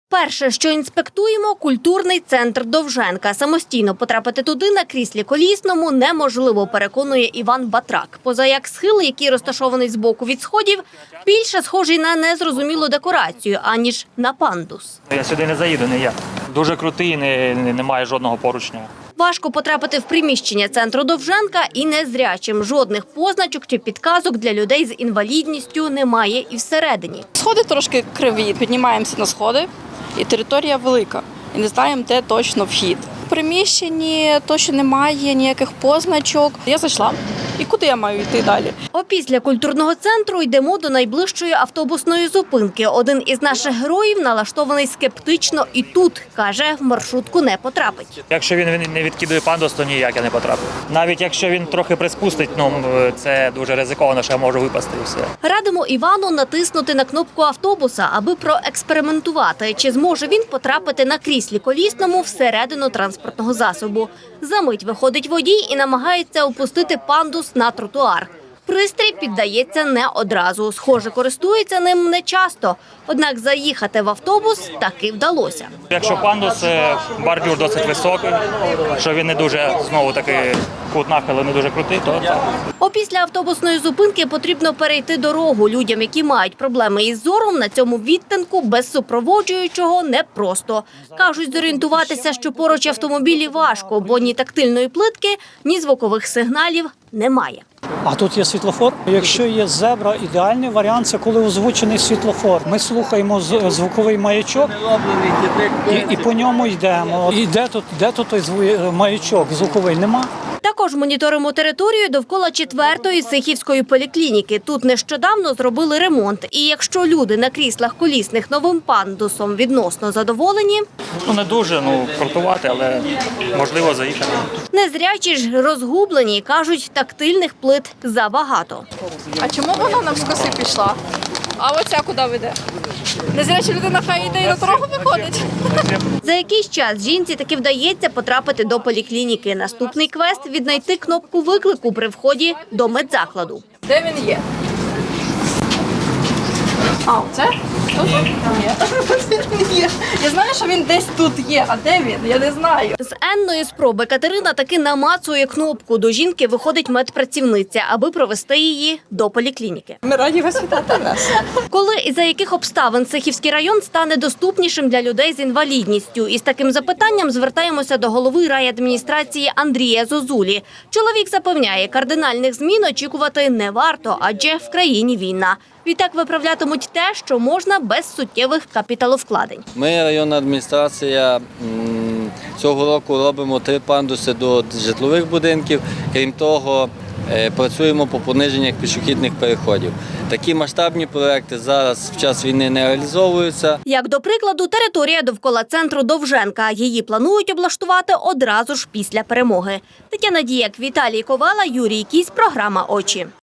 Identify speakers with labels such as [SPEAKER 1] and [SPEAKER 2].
[SPEAKER 1] Перше, що інспектуємо – культурний центр Довженка. Самостійно потрапити туди на кріслі колісному неможливо, переконує Іван Батрак. Поза як схил, який розташований збоку від сходів, більше схожий на незрозумілу декорацію, аніж на пандус.
[SPEAKER 2] Я сюди не заїду, не я. Дуже крутий, немає жодного поручня.
[SPEAKER 1] Важко потрапити в приміщення центру Довженка і незрячим. Жодних позначок чи підказок для людей з інвалідністю немає і всередині.
[SPEAKER 3] Сходи трошки криві, піднімаємося на сходи, і територія велика. І не знаємо, де точно вхід. В приміщенні точно немає ніяких позначок. Я зайшла. І куди я маю йти далі?
[SPEAKER 1] Опісля культурного центру йдемо до найближчої автобусної зупинки. Один із наших героїв налаштований скептично і тут, каже, в маршрутку не потрапить.
[SPEAKER 2] Якщо він не відкидує пандус, то ніяк я не потраплю. Навіть якщо він трохи приспустить, це дуже ризиковано, що я можу випасти і все.
[SPEAKER 1] Радимо Івану натиснути на кнопку автобуса, аби проекспериментувати, чи зможе він потрапити на кріслі колісному всередину транспортного засобу. Замить виходить водій і намагається опустити пандус на тротуар. Пристрій піддається не одразу. Схоже, користується ним не часто. Однак заїхати в автобус таки вдалося.
[SPEAKER 2] Якщо пандус, бордюр досить високий, що він не дуже, знову таки, кут нахилу не дуже крутий, то так.
[SPEAKER 1] Опісля автобусної зупинки потрібно перейти дорогу. Людям, які мають проблеми із зором, на цьому відтинку без супроводжуючого непросто. Кажуть, зорієнтуватися, що поруч автомобілі важко, бо ні тактильної плитки, ні звукових сигналів немає.
[SPEAKER 4] А тут є світлофор. Якщо є зебра, ідеальний варіант – це коли озвучений світлофор. Ми слухаємо звуковий маячок і по ньому йдемо. І де тут той маячок звуковий? Нема.
[SPEAKER 1] Також моніторимо територію довкола 4-ї Сихівської поліклініки. Тут нещодавно зробили ремонт. І якщо люди на кріслах колісних новим пандусом відносно задоволені,
[SPEAKER 2] Не дуже, крутувати, але можливо заїхати.
[SPEAKER 1] незрячі ж розгублені, кажуть, тактильних плит забагато.
[SPEAKER 3] А чому вона навскоси пішла? А оця куди веде? Незряча людина хай йде і на дорогу виходить.
[SPEAKER 1] За якийсь час жінці таки вдається потрапити до поліклініки. Наступний квест – віднайти кнопку виклику при вході до медзакладу.
[SPEAKER 3] Де він є? А, оце? Тут? Ні. Я знаю, що він десь тут є, а де він? Я не знаю.
[SPEAKER 1] З енної спроби Катерина таки намацує кнопку. До жінки виходить медпрацівниця, аби провести її до поліклініки.
[SPEAKER 3] Ми раді вас вітати нас.
[SPEAKER 1] Коли і за яких обставин Сихівський район стане доступнішим для людей з інвалідністю? Із таким запитанням звертаємося до голови райадміністрації Андрія Зозулі. Чоловік запевняє, кардинальних змін очікувати не варто, адже в країні війна. Відтак виправлятимуть те, що можна без суттєвих капіталовкладень.
[SPEAKER 5] Ми, районна адміністрація, цього року робимо 3 пандуси до житлових будинків. Крім того, працюємо по пониженнях пішохідних переходів. Такі масштабні проекти зараз в час війни не реалізовуються.
[SPEAKER 1] Як до прикладу, територія довкола центру Довженка. Її планують облаштувати одразу ж після перемоги. Тетяна Діяк, Віталій Ковала, Юрій Кісь, програма «Очі».